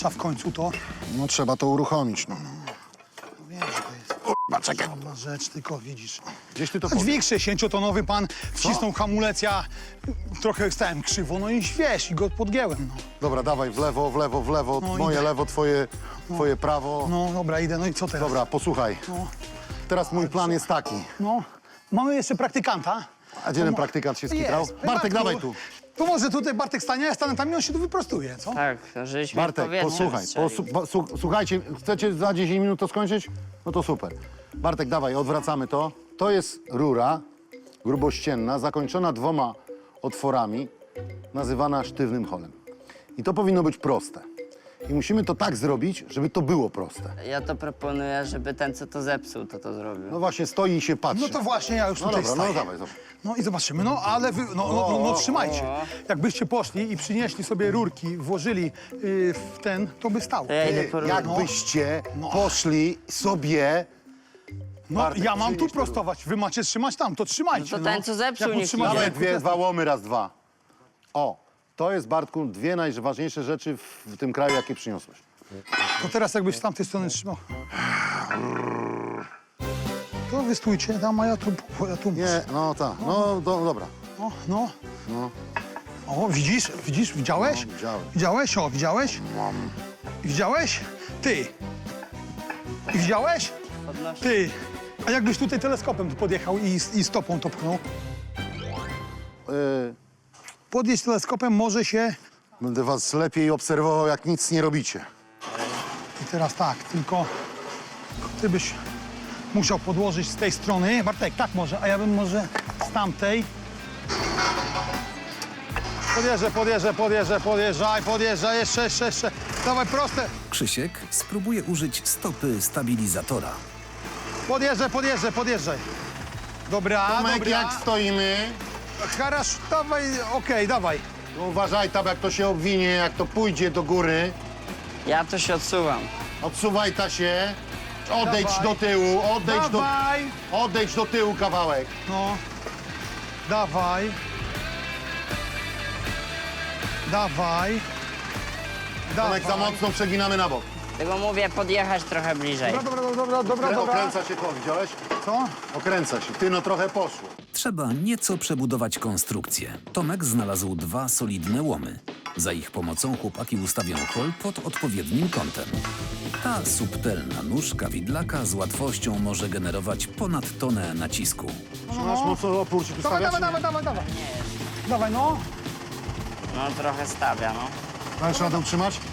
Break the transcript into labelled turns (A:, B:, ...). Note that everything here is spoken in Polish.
A: trzeba w końcu to.
B: No trzeba to uruchomić, no.
A: No wiem, że to jest
B: Czekaj.
A: sama rzecz, tylko widzisz.
B: Gdzieś ty to
A: Dźwig 60-tonowy pan wcisnął hamulec, ja trochę stałem krzywo, no i wiesz, i go podgięłem, no.
B: Dobra, dawaj, w lewo, w lewo, w lewo.
A: No,
B: Moje
A: idę.
B: lewo, twoje prawo.
A: No dobra, idę, no i co teraz?
B: Dobra, posłuchaj.
A: No,
B: Teraz mój plan jest taki.
A: no. Mamy jeszcze praktykanta.
B: A gdzie ten praktykant się skitrał?
A: Jest.
B: Bartek,
A: Bartku,
B: dawaj tu.
A: To może tutaj Bartek stanie, ja stanę tam i on się tu wyprostuje, co?
C: Tak, żeśmy
B: Bartek,
C: powietrze
B: posłuchaj.
C: wystrzelił.
B: Słuchajcie, chcecie za 10 minut to skończyć? No to super. Bartek, dawaj, odwracamy to. To jest rura grubościenna, zakończona 2 otworami, nazywana sztywnym holem. I to powinno być proste. I musimy to tak zrobić, żeby to było proste.
C: Ja to proponuję, żeby ten, co to zepsuł, to zrobił.
B: No właśnie, stoi i się patrzy.
A: No to właśnie ja już
B: No
A: tutaj
B: dobra, no
A: staję.
B: dawaj, zobacz.
A: No i zobaczymy, no ale wy, no trzymajcie. Jakbyście poszli i przynieśli sobie rurki, włożyli w ten, to by stało.
C: To ja idę po rurę.
B: Jakbyście
A: No.
B: poszli sobie...
A: No
B: Bartek,
A: ja mam tu
B: przynieś te
A: prostować, wy macie trzymać tam, to trzymajcie.
C: No to ten, co zepsuł,
A: Jak
C: niech
A: utrzymacie,
B: Dawaj
C: idzie.
B: dwa łomy, raz, dwa. O, to jest, Bartku, 2 najważniejsze rzeczy w tym kraju, jakie przyniosłeś.
A: To teraz jakbyś z tamtej strony trzymał. To wy stójcie tam, a ja tu
B: Nie, no tak, no dobra.
A: No. O, widzisz, widziałeś?
B: No, widziałem.
A: Widziałeś? O, widziałeś? Widziałeś? Ty. I widziałeś?
C: Podnosi.
A: Ty. A jakbyś tutaj teleskopem tu podjechał i stopą to pchnął? Podjeść teleskopem może się...
B: Będę was lepiej obserwował, jak nic nie robicie.
A: I teraz tak, tylko ty byś musiał podłożyć z tej strony. Bartek, tak może, a ja bym może z tamtej. Podjeżdżaj, jeszcze. Dawaj, proste.
D: Krzysiek spróbuje użyć stopy stabilizatora.
A: Podjeżdżaj. Dobra,
B: Tomek,
A: dobra.
B: jak stoimy?
A: Harasz, dawaj, okej, dawaj.
B: No uważaj tam, jak to się obwinie, jak to pójdzie do góry.
C: Ja to się odsuwam.
B: Odsuwaj ta się. Odejdź
A: Dawaj.
B: do tyłu,
A: Dawaj.
B: odejdź do tyłu kawałek.
A: No. Dawaj.
B: Tomek, za mocno przeginamy na bok.
C: Tego mówię, podjechać trochę bliżej.
A: Dobra.
B: Okręca się to, widziałeś?
A: Co?
B: Okręca się. Ty, no trochę poszło.
D: Trzeba nieco przebudować konstrukcję. Tomek znalazł 2 solidne łomy. Za ich pomocą chłopaki ustawią hol pod odpowiednim kątem. Ta subtelna nóżka widlaka z łatwością może generować ponad tonę nacisku.
B: Masz mocno opór ci tu
A: Dawaj.
B: stawiać?
A: Dawaj, no.
C: No trochę stawia, no.
B: Dajesz radę utrzymać?